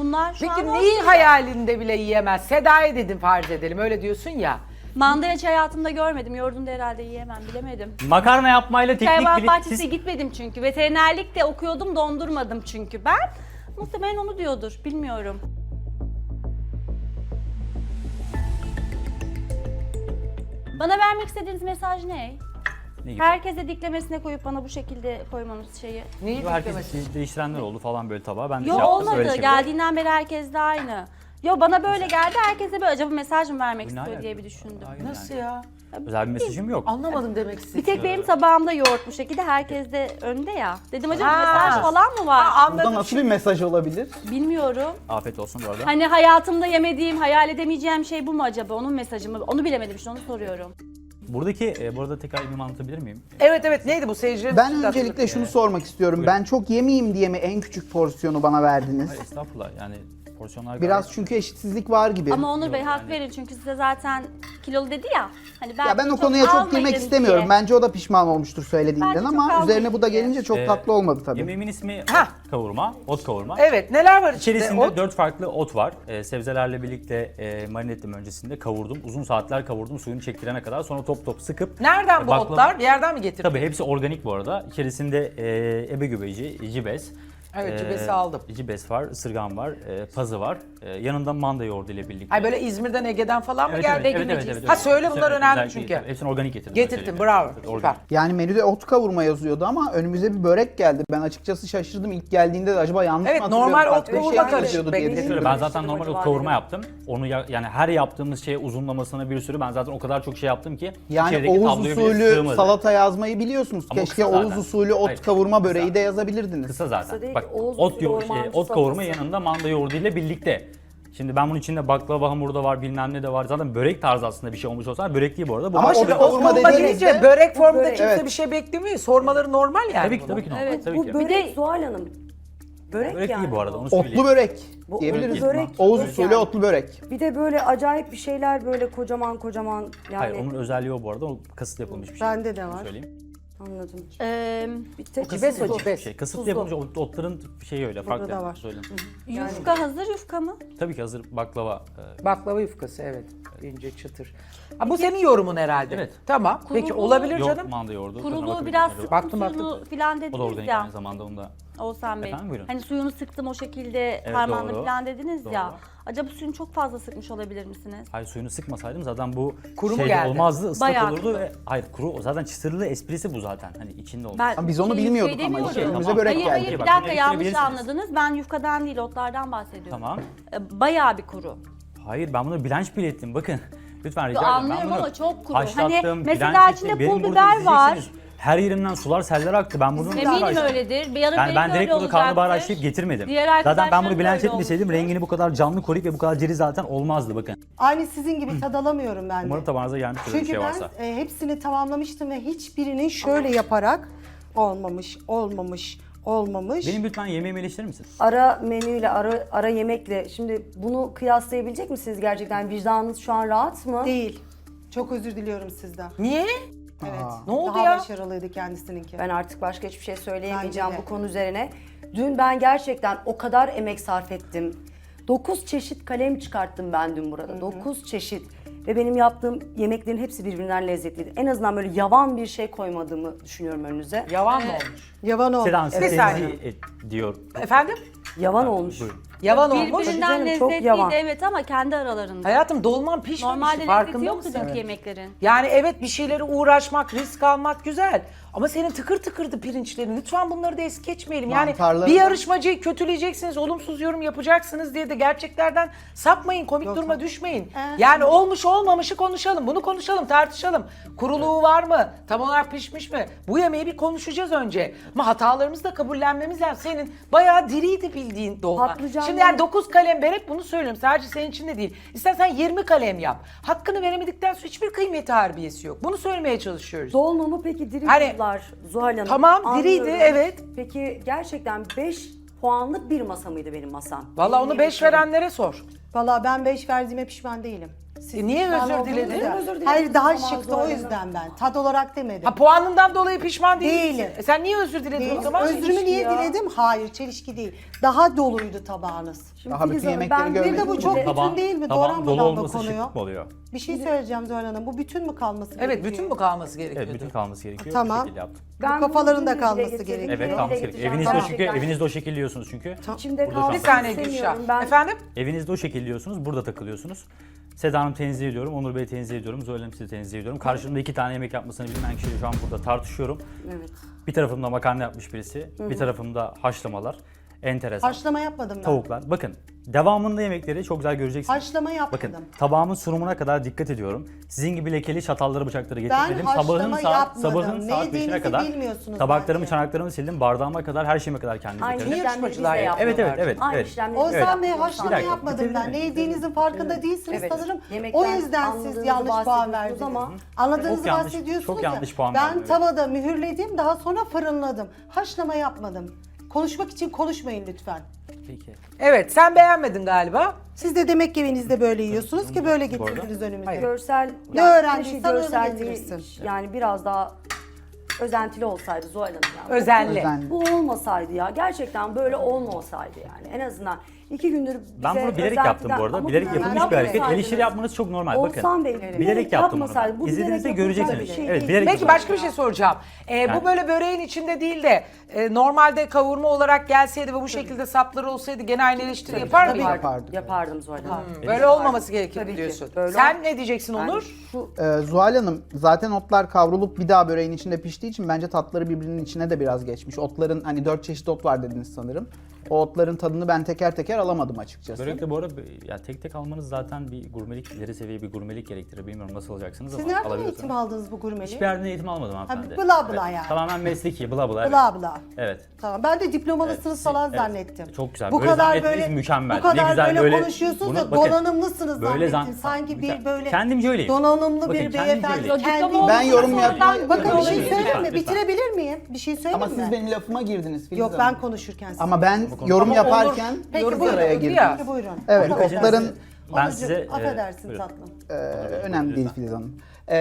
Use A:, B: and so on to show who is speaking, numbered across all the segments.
A: Bunlar şu
B: Peki
A: an
B: neyi
A: olsun.
B: hayalinde bile yiyemez? Seda'ya dedim farz edelim öyle diyorsun ya.
A: Mandalina hiç hayatımda görmedim. Yoğurdunu herhalde yiyemem, bilemedim.
C: Makarna yapmayla teknik
A: Hayvanat
C: bile...
A: bahçesine gitmedim çünkü. Veterinerlik de okuyordum, dondurmadım çünkü ben. Muhtemelen onu diyordur, bilmiyorum. Bana vermek istediğiniz mesaj ne?
C: Ne gibi?
A: Herkese diklemesine koyup bana bu şekilde koymanız şeyi.
B: Neyi
C: Herkes
B: beklemesi?
C: değiştirenler oldu falan böyle tabağa. Ben de
A: Yo
C: şey yaptım,
A: olmadı.
C: öyle şey.
A: Geldiğinden beri herkes de aynı. Yo bana böyle geldi, herkese böyle acaba mesaj mı vermek
C: Bu ne
A: istiyor
C: alaka?
A: diye bir düşündüm.
C: Hayır
B: Nasıl
C: yani.
B: ya?
C: Özel bir mesajım yok.
B: Anlamadım demek
A: Bir
B: istedim.
A: tek benim tabağımda yoğurt bu şekilde, herkes de önde ya. Dedim acaba
B: Ha.
A: mesaj falan mı var?
B: Ha,
D: Burada
B: anladım.
D: nasıl bir mesaj olabilir?
A: Bilmiyorum.
C: Afiyet olsun bu arada.
A: Hani hayatımda yemediğim, hayal edemeyeceğim şey bu mu acaba? Onun mesajı mı? Onu bilemedim işte, onu soruyorum.
C: Buradaki, bu arada tekrar bir anlatabilir miyim?
B: Evet neydi bu seyircilerin?
D: Ben öncelikle şunu sormak istiyorum.
C: Buyurun.
D: Ben çok yemeyeyim diye mi en küçük porsiyonu bana verdiniz?
C: Hayır, estağfurullah yani porsiyonlar
D: Biraz
C: gayet-
D: çünkü eşitsizlik var gibi.
A: Ama Onur Bey
C: Yok,
A: hak
C: yani-
A: verin çünkü size zaten kilolu dedi ya. Hani
D: Ya ben o konuya çok
A: almayın
D: girmek istemiyorum.
A: diye.
D: Bence o da pişman olmuştur söylediğinden
A: Bence çok
D: ama
A: almayın
D: üzerine bu da
A: diye.
D: gelince çok
C: Ee,
D: tatlı olmadı tabii.
C: Yemeğimin ismi
B: Hah.
C: kavurma, ot kavurma.
B: Evet neler var içinde?
C: İçerisinde
B: O-
C: 4 farklı ot var. Sebzelerle birlikte marine ettim öncesinde kavurdum. Uzun saatler kavurdum suyunu çektirene kadar. Sonra top top sıkıp...
B: Nereden bu
C: baklava-
B: otlar? Bir yerden mi getirdin?
C: Tabii hepsi organik bu arada. İçerisinde ebe göbeği, cibes.
B: Evet, cibesi aldım.
C: Cibes var, ısırgan var, pazı var. Yanında manda yoğurdu ile birlikte.
B: Ay böyle İzmir'den Ege'den falan mı
C: Evet,
B: geldi?
C: evet.
B: Ha söyle bunlar
C: Evet,
B: önemli
C: özellikle
B: çünkü.
C: hepsini organik getirdim.
B: Getirdin
C: özellikle.
B: bravo
C: Evet,
B: süper.
C: organik.
D: Yani menüde ot kavurma yazıyordu ama önümüze bir börek geldi. Ben açıkçası şaşırdım ilk geldiğinde de acaba yanlış
B: Evet,
D: mı hatırlıyorum?
B: normal ot
D: Farklı bir
B: kavurma
D: şey mi
B: karışık.
D: yazıyordu diye
B: Benim-
C: Şöyle,
D: düşündüm.
C: ben zaten normal ot kavurma yaptım. Onu yani her yaptığımız şeye uzunlamasına bir sürü ben zaten o kadar çok şey yaptım ki
D: Yani
C: içerideki
D: Oğuz
C: tabloya bile
D: usulü
C: sığmadı.
D: salata yazmayı biliyorsunuz.
C: Ama o
D: Keşke
C: kısa
D: Oğuz
C: zaten.
D: usulü ot
C: Hayır,
D: kavurma böreği
C: kısa.
D: de yazabilirdiniz.
C: Kısa zaten.
E: değil
C: Bak
E: ki, Oğuz
C: ot,
E: usulü ormancı
C: ot kavurma
E: salatası.
C: yanında manda yoğurdu ile birlikte. Şimdi ben bunun içinde baklava hamuru da var, bilmem ne de var. Zaten börek tarzı aslında bir şey olmuş olsa börek değil bu arada. Bu
D: Ama
B: Ama
D: o
B: şimdi
D: da
B: ot
D: kavurma
B: kavurma
D: dediğinizde-
B: deyince börek formunda
E: börek.
B: kimse
D: Evet.
B: bir şey beklemiyor. Sormaları normal yani.
C: tabii ki
B: bunun.
C: tabii ki normal.
A: Evet,
C: Tabii
E: Bu
C: ki.
E: börek
A: de-
E: Zuhal Hanım. Börek,
C: Börek
E: yani.
C: değil bu arada onu
D: Otlu
C: söyleyeyim.
D: börek
E: Bu
D: diyebiliriz.
E: otlu börek.
D: Oğuz
E: Börek
D: usulü
E: yani.
D: otlu börek.
E: Bir de böyle acayip bir şeyler böyle kocaman kocaman yani.
C: Hayır onun özelliği o bu arada. O kasıtlı yapılmış bir şey.
E: Bende de var.
C: Söyleyeyim.
E: Anladım.
A: Ee,
E: Bir tek
B: Cibes o
E: tuzlu.
B: cibes.
C: Şey, kasıtlı
E: Tuzlu.
C: yapılmış otların şeyi öyle farklı.
E: da var.
C: Söyleyeyim.
A: yufka hazır yufka mı?
C: Tabii ki hazır baklava.
B: Baklava yufkası evet. İnce çıtır. Ha, bu senin yorumun herhalde.
C: Evet.
B: Tamam. Peki
A: Kurulu-
B: olabilir
C: Yok
B: canım.
C: manda yoğurdu. Tadına
A: Kuruluğu
C: bakabilirsiniz.
A: biraz
C: Yok.
A: sıktım
B: Baktım,
A: suyunu
B: baktım.
A: falan
C: O da
A: dediniz
C: organik
A: ya.
C: aynı zamanda onu da.
A: Oğuzhan Bey.
C: Efendim, buyurun.
A: Hani suyunu sıktım o şekilde
C: Evet,
A: parmağımla
C: doğru.
A: falan dediniz ya.
C: Doğru.
A: Acaba suyunu çok fazla sıkmış olabilir misiniz?
C: Hayır suyunu sıkmasaydım zaten bu
B: Kuru mu
C: şeyde
B: geldi?
C: olmazdı, ıslak
A: Bayağı
C: olurdu
A: kuru.
C: ve hayır kuru zaten çıtırlı esprisi bu zaten hani içinde olmuş.
A: Ben
D: Ama biz onu
A: şey,
D: bilmiyorduk
A: yufkayı
D: ama
A: demiyorum.
D: işte önümüze
C: Tamam.
D: börek
A: Hayır
D: geldi.
A: hayır bir
C: Bak,
A: dakika
C: bunu
A: yanlış
C: eleştirebilirsiniz.
A: anladınız. Ben yufkadan değil otlardan bahsediyorum.
C: Tamam.
A: Bayağı bir kuru.
C: Hayır ben bunu blanch bile ettim bakın. Lütfen rica ederim.
A: Anlıyorum
C: Ben bunu
A: ama çok kuru.
C: haşlattım,
A: Hani mesela
C: blanch
A: içinde
C: ettim.
A: pul
C: Benim
A: biber
C: burada
A: var.
C: izleyeceksiniz. Her yerimden sular seller aktı. Ben bunu
A: Eminim öyledir. Bir yarın
C: Yani
A: belki
C: ben direkt
A: öyle
C: bunu karnabahar
A: olacaktır.
C: haşlayıp getirmedim.
A: Diğer
C: Zaten ben
A: arkadaşlarım
C: bunu
A: da
C: blanch
A: öyle
C: etmeseydim
A: olmuştur.
C: rengini bu kadar canlı koruyup ve bu kadar diri zaten olmazdı bakın.
F: Aynı sizin gibi tad alamıyorum ben de.
C: Umarım tabağınıza gelmiştir öyle bir
F: Çünkü
C: şey
F: ben
C: varsa.
F: hepsini tamamlamıştım ve hiçbirinin şöyle yaparak olmamış.
C: Benim lütfen yemeğimi eleştirir misin?
E: Ara menüyle, ara yemekle. Şimdi bunu kıyaslayabilecek misiniz gerçekten? Vicdanınız şu an rahat mı?
F: Değil. Çok özür diliyorum sizden.
B: Niye?
F: Evet.
B: Ne oldu
F: Daha
B: ya?
F: başarılıydı kendisininki.
E: Ben artık başka hiçbir şey söyleyemeyeceğim
F: Bence de.
E: bu konu üzerine. Dün ben gerçekten o kadar emek sarf ettim. 9 çeşit kalem çıkarttım ben dün burada. 9 çeşit. Ve benim yaptığım yemeklerin hepsi birbirinden lezzetliydi. En azından böyle yavan bir şey koymadığımı düşünüyorum önünüze.
B: Yavan mı olmuş?
F: Yavan oldu.
C: Sedan
B: Bir saniye.
C: diyor.
B: Efendim?
E: Yavan olmuş.
C: Buyurun.
B: Yavan olmuş.
A: Birbirinden
E: Canım, çok
A: lezzetliydi
E: yavan.
A: evet ama kendi aralarında.
B: Hayatım dolman pişmemiş.
A: Normalde lezzeti
B: Farkında
A: yoktu
B: mısın?
A: dünkü yemeklerin.
B: Yani evet bir şeylere uğraşmak, risk almak güzel. Ama senin tıkır tıkırdı pirinçlerin. Lütfen bunları da es geçmeyelim. Yani
D: Mantarları
B: bir
D: da-
B: yarışmacıyı kötüleyeceksiniz, olumsuz yorum yapacaksınız diye de gerçeklerden sapmayın, komik duruma düşmeyin. Yani olmuş olmamışı konuşalım. Bunu konuşalım, tartışalım. Kuruluğu var mı? Tam olarak pişmiş mi? Bu yemeği bir konuşacağız önce. Ama hatalarımızı da kabullenmemiz lazım. Senin bayağı diriydi bildiğin dolma.
E: Patlıcanlı-
B: Şimdi yani 9 kalem vererek bunu söylüyorum. Sadece senin için de değil. İstersen 20 kalem yap. Hakkını veremedikten sonra hiçbir kıymeti harbiyesi yok. Bunu söylemeye çalışıyoruz.
E: Dolmamı peki diri
B: Hani-
E: buldular Zuhal Hanım.
B: Tamam, diriydi,
E: Anlıyorum.
B: evet.
E: Peki gerçekten 5 puanlık bir masa mıydı benim masam?
B: Vallahi onu 5 verenlere sor.
F: Valla ben 5 verdiğime pişman değilim.
B: Niye
F: Ben
B: özür
F: olduğunu
B: diledin?
F: dedim.
E: Özür dilerim.
F: Hayır daha
E: Tamam,
F: şıktı
E: Zuhal
F: o
E: Hanım.
F: yüzden ben. Tad olarak demedim.
B: Ha puanından dolayı pişman değil misin?
F: Değilim.
B: Sen niye özür diledin o
F: Değil.
B: zaman?
F: Özrümü niye
E: ya.
F: diledim? Hayır, çelişki değil. Daha doluydu tabağınız.
E: Şimdi
D: Daha bütün
E: Filiz Hanım,
D: yemekleri
E: ben-
D: görmedim
F: Bir de bu
D: mi?
F: çok
C: Tabağın-
F: bütün değil mi?
C: tabağın
F: Doğranmadan
C: dolu olması
F: dokunuyor.
C: şıklık mı oluyor?
F: Bir şey söyleyeceğim Zuhal Hanım. Bu bütün mü kalması
B: Evet
F: gerekiyor?
B: bütün mü kalması gerekiyordu?
C: Evet, bütün kalması gerekiyor.
F: Tamam.
C: Bu şekilde yaptım.
F: Bu kafaların da
E: bunu
F: kalması
E: dile getirdim.
F: gerekiyor.
C: Evet,
E: Dile
C: kalması gerekiyor.
E: getireceğim.
C: Evinizde
E: Tamam.
C: çünkü evinizde o şekilde yiyorsunuz çünkü.
E: İçimde
C: Burada
E: kalsın
B: Bir saniye
E: istemiyorum.
B: Gülşah.
E: Ben
B: Efendim?
C: Evinizde o şekilde yiyorsunuz, burada takılıyorsunuz. Seda Hanım tenzih ediyorum, Onur Bey'i tenzih ediyorum, Zuhal Hanım sizi tenzih ediyorum. Karşımda 2 tane yemek yapmasını bilmeyen kişiyle şu an burada tartışıyorum.
E: Evet.
C: Bir tarafımda makarna yapmış birisi, bir tarafımda haşlamalar. Enteresan.
F: Haşlama yapmadım ben.
C: Tavuklar. Bakın devamında yemekleri çok güzel göreceksiniz.
F: Haşlama yapmadım.
C: Bakın tabağımın sunumuna kadar dikkat ediyorum. Sizin gibi lekeli çatalları bıçakları getirmedim.
F: haşlama yapmadım.
C: Sabahın
F: Ne
C: saat 5'ine
F: yediğinizi
C: kadar
F: bilmiyorsunuz
C: tabaklarımı,
F: bence.
C: çanaklarımı sildim. Bardağıma kadar, her şeyime kadar kendim
E: Aynı
C: getirdim.
E: işlemleri biz de
B: yarışmacılar ya.
E: yapıyorlar.
C: Evet.
E: Aynı işlemleri biz de
F: Oğuzhan Bey
E: yapıyoruz.
F: haşlama
C: Bir dakika,
F: yapmadım
C: bitirdin
F: ben.
C: mi?
F: Ne yediğinizin farkında değilsiniz
E: Evet.
F: sanırım.
E: Yemekten
F: O yüzden siz
E: anladığınızı
F: yanlış puan
E: bahsediyorsunuz
F: verdiniz.
E: ama-
F: Anladığınızı
C: Çok yanlış-
F: bahsediyorsunuz
C: çok
F: ya.
C: yanlış puan
F: Ben
C: verdim, evet.
F: tavada mühürledim, daha sonra fırınladım. Haşlama yapmadım. Konuşmak için konuşmayın lütfen.
C: Peki.
B: Evet sen beğenmedin galiba.
F: Siz de demek ki evinizde böyle yiyorsunuz ki böyle getirdiniz önümüze.
B: Hayır.
E: Görsel,
F: Ne
E: yani
F: öğrendiysen
E: keşke
F: öyle
E: görselliği,
F: getirirsin.
E: yani biraz daha özentili olsaydı Zuhal Hanım yani.
B: Özenli.
D: Özenli.
E: Bu olmasaydı ya, gerçekten böyle olmasaydı yani. En azından 2 gündür bize
C: Ben bunu bilerek yaptım bu arada.
E: Ama
C: Bilerek
E: bunu
C: yapılmış bir hareket.
E: yapmasaydınız-
C: Eleştiri yapmanız çok normal.
E: Oğuzhan
C: Bakın.
E: Bey,
C: Bilerek yaptım bunu.
E: yapmasaydı, bu bilerek
C: İzlediğinizde
E: yapılacak
C: göreceksiniz.
E: bir şey
C: Evet,
E: değil.
C: bilerek
B: Peki
C: yaptım.
B: başka bir şey soracağım. Bu
C: Yani-
B: böyle böreğin içinde değil de normalde kavurma olarak gelseydi ve bu şekilde sapları olsaydı gene aynı eleştiri yapar mıydın?
D: Yapardık.
E: Yapardım Zuhal Hanım.
B: Böyle olmaması gerekir
E: Tabii ki.
B: diyorsun.
E: Böyle
B: Sen ne diyeceksin
E: Yani
B: Onur?
E: şu
D: Zuhal Hanım zaten otlar kavrulup bir daha böreğin içinde piştiği için bence tatları birbirinin içine de biraz geçmiş. Otların hani 4 çeşit ot var dediniz sanırım. O otların tadını ben teker teker alamadım açıkçası.
C: Börekte bu arada ya tek tek almanız zaten bir gurmelik, ileri seviye bir gurmelik gerektirir. Bilmiyorum nasıl alacaksınız
F: Siz
C: ama
F: nereden
C: alabilirsiniz.
F: eğitim aldınız bu gurmeliği?
C: Hiçbir yerden eğitim almadım hanımefendi.
F: bla bla yani.
C: Tamamen mesleki, bla bla. Evet.
F: Bla bla.
C: Evet.
F: Tamam. Ben de diplomalısınız
C: Evet,
F: falan
C: evet.
F: zannettim.
C: Çok güzel.
F: Bu
C: Böyle
F: kadar
C: zannetmeniz
F: böyle
C: mükemmel.
F: Bu kadar
C: Ne güzel
F: böyle,
C: böyle
F: konuşuyorsunuz
C: bunu-
F: da
C: bakın,
F: donanımlısınız
C: böyle
F: zannettim. Sanki bir böyle
C: Kendimce öyleyim.
F: donanımlı
C: Bakın,
F: bir
C: kendimce
F: beyefendi.
C: öyleyim.
F: Kendi-
D: Ben yorum yapmayı...
F: Bakın bir şey
C: Lütfen,
F: söyleyeyim mi?
C: lütfen.
F: Bitirebilir miyim? Bir şey söyleyeyim
D: Ama
F: mi?
D: siz benim lafıma girdiniz Filiz
F: Yok
D: Hanım.
F: ben konuşurken siz.
D: Ama ben yorum
B: Ama
D: yaparken
F: Peki,
D: yorum
F: buyurun.
D: araya girdim.
B: Ya.
F: Peki, buyurun.
D: Evet
C: Buyurun.
D: otların
C: Ben
F: Onurcuğum,
C: size...
F: affedersin
C: buyurun.
F: tatlım.
D: önemli değil Filiz Hanım.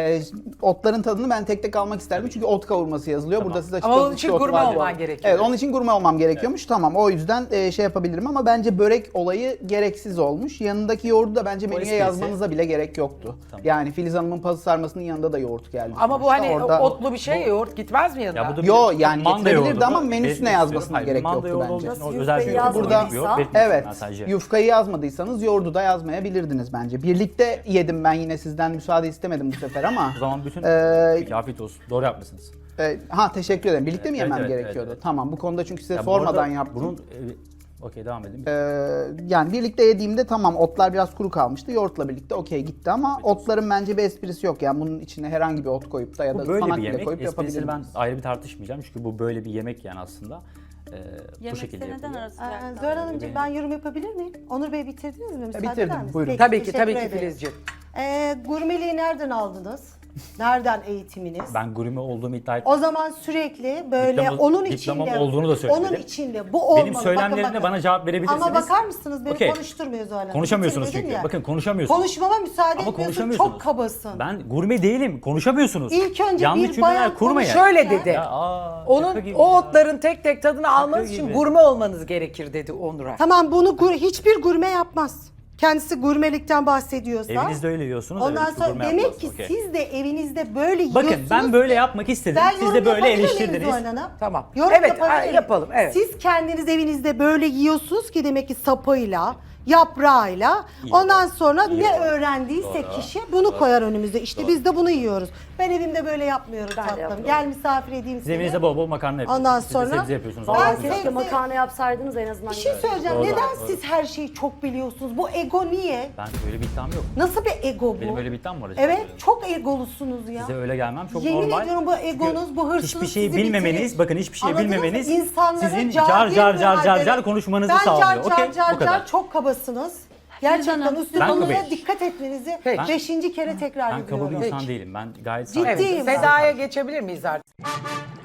D: Otların tadını ben tek tek almak isterdim çünkü ot kavurması yazılıyor.
C: Tamam.
D: Burada siz
B: Ama onun
D: açıkladınız
B: için
D: ki ot
B: gurme
D: var.
B: olman gerekiyor.
D: Evet onun için gurme olmam gerekiyormuş. Tamam o yüzden şey yapabilirim ama bence börek olayı gereksiz olmuş. Yanındaki yoğurdu da bence menüye
C: esprisi.
D: yazmanıza bile gerek yoktu.
C: Tamam.
D: Yani Filiz Hanım'ın pazı sarmasının yanında da yoğurt geldi.
B: Ama bu
D: sonuçta.
B: hani
D: Orada...
B: otlu bir şey yoğurt gitmez mi yanına?
C: Ya bu da
D: Yo,
C: bir
D: yani
C: manda
D: getirebilirdi
C: yoğurdu.
D: ama menüsüne
C: Belirtmek
D: yazmasına
C: istiyorum. Hayır,
D: gerek
C: manda
D: yoktu
C: yoğurdu
D: bence.
C: olduğu için o
E: Nasıl
C: özel bir
E: yufkayı
C: yoğurt
E: yazmadıysa-
C: yoğurt belirtmiyorum
D: Evet,
C: ben sadece.
D: yufkayı yazmadıysanız yoğurdu da yazmayabilirdiniz bence. Birlikte yedim ben yine sizden müsaade istemedim bu sefer ama.
C: O zaman bütün... Peki afiyet olsun. Doğru yapmışsınız.
D: Teşekkür ederim. Birlikte mi
C: Evet,
D: yemem
C: evet,
D: gerekiyordu?
C: evet.
D: Tamam bu konuda çünkü size
C: Ya bu arada
D: sormadan yaptım.
C: Bunun... Okey devam edin.
D: Yani birlikte yediğimde tamam otlar biraz kuru kalmıştı. Yoğurtla birlikte okey gitti ama otların bence bir esprisi yok. Yani bunun içine herhangi bir ot koyup da ya da
C: Bu böyle
D: ıspanak
C: bir
D: bile
C: yemek.
D: koyup
C: Esprisini ben
D: yapabilirsiniz.
C: ayrı bir tartışmayacağım çünkü bu böyle bir yemek yani aslında. Bu
A: Yemekte
C: şekilde
A: neden
C: yapılıyor.
A: arası
F: Zuhal Hanımcığım ben yorum yapabilir miyim? Onur Bey bitirdiniz mi? Müsaade
D: bitirdim,
F: eder misiniz?
D: buyurun.
F: Peki,
B: Tabii ki
F: teşekkür
B: tabii ki
F: ederim.
B: Filizciğim.
F: Gurmeliği nereden aldınız? Nereden eğitiminiz?
C: Ben gurme olduğumu iddia ettim.
F: O zaman sürekli böyle
C: Diploma-
F: onun
C: diplomam
F: içinde
C: olduğunu da söyledim.
F: Onun içinde bu olmalı.
C: Benim söylemlerimle
F: Bakın,
C: bana cevap verebilirsiniz.
F: Ama bakar mısınız beni
C: Okey.
F: konuşturmuyor Zuhal Hanım.
C: Konuşamıyorsunuz
F: Bitirmedim
C: çünkü.
F: ya.
C: Bakın konuşamıyorsunuz.
F: Konuşmama müsaade
C: Ama
F: etmiyorsun.
C: konuşamıyorsunuz.
F: Çok kabasın.
C: Ben gurme değilim. Konuşamıyorsunuz.
F: İlk önce
C: yanlış
F: bir
C: cümleler
F: bayan
C: kurmayın.
B: Şöyle dedi.
C: Ya, şaka
B: Onun
C: gibi
B: o
C: ya.
B: otların tek tek tadını almanız için
C: gibi.
B: gurme olmanız gerekir dedi Onur'a.
F: Tamam bunu hiçbir gurme yapmaz. Kendisi gurmelikten bahsediyorsa.
C: Evinizde öyle yiyorsunuz.
F: Ondan
C: evet,
F: sonra
C: gurme
F: demek
C: yapmaz.
F: ki
C: Okey.
F: siz de evinizde böyle
C: Bakın
F: yiyorsunuz.
C: ben böyle yapmak istedim.
F: Ben
C: Siz
F: yorum
C: de böyle
F: yapabilir miyim
C: eleştirdiniz.
F: Zuhal Hanım?
B: Tamam.
F: Yorum
B: Evet,
F: yapabilir miyim?
B: yapalım, evet.
F: Siz kendiniz evinizde böyle yiyorsunuz ki demek ki sapıyla, yaprağıyla.
C: İyi.
F: Ondan sonra
C: İyi.
F: ne öğrendiyse
C: Doğru.
F: kişi bunu koyar önümüze. İşte biz de bunu yiyoruz. Ben evimde böyle yapmıyorum
E: Ben de
F: tatlım.
E: yapıyorum.
F: Gel misafir edeyim
C: Siz
F: seni.
C: evinizde bol bol makarna yapıyorsunuz.
F: Ondan
C: Siz de
F: sonra-
C: sebze yapıyorsunuz.
F: Ben
C: Vallahi
F: sebze-
C: güzel.
E: Keşke makarna yapsaydınız en azından.
F: Bir şey söyleyeceğim.
C: Doğru,
F: Neden
C: doğru.
F: siz her şeyi çok biliyorsunuz? Bu ego niye?
C: Ben öyle bir iddiam yok.
F: Nasıl bir ego bu?
C: Benim öyle bir iddiam var. acaba.
F: Evet, çok egolusunuz ya.
C: Size öyle gelmem çok
F: Yemin
C: normal.
F: ediyorum bu egonuz,
C: Çünkü
F: bu hırsınız
C: hiçbir şeyi
F: sizi
C: bilmemeniz,
F: bitirir.
C: bakın hiçbir şeyi
F: Anladınız mı?
C: bilmemeniz
F: İnsanlara
C: sizin
F: cahil
C: car konuşmanızı sağlıyor.
F: Ben
C: Okey, bu kadar.
F: çok kabasınız. Gerçekten
A: Hanım.
F: üstü
C: Ben
F: konulara
C: kabeyim.
F: dikkat etmenizi
B: Peki.
F: 5. kere tekrar
C: Ben kabul
F: ediyorum.
C: bir insan
B: Peki.
C: değilim. Ben gayet
F: Ciddiyim.
C: sakin.
B: Seda'ya geçebilir miyiz artık?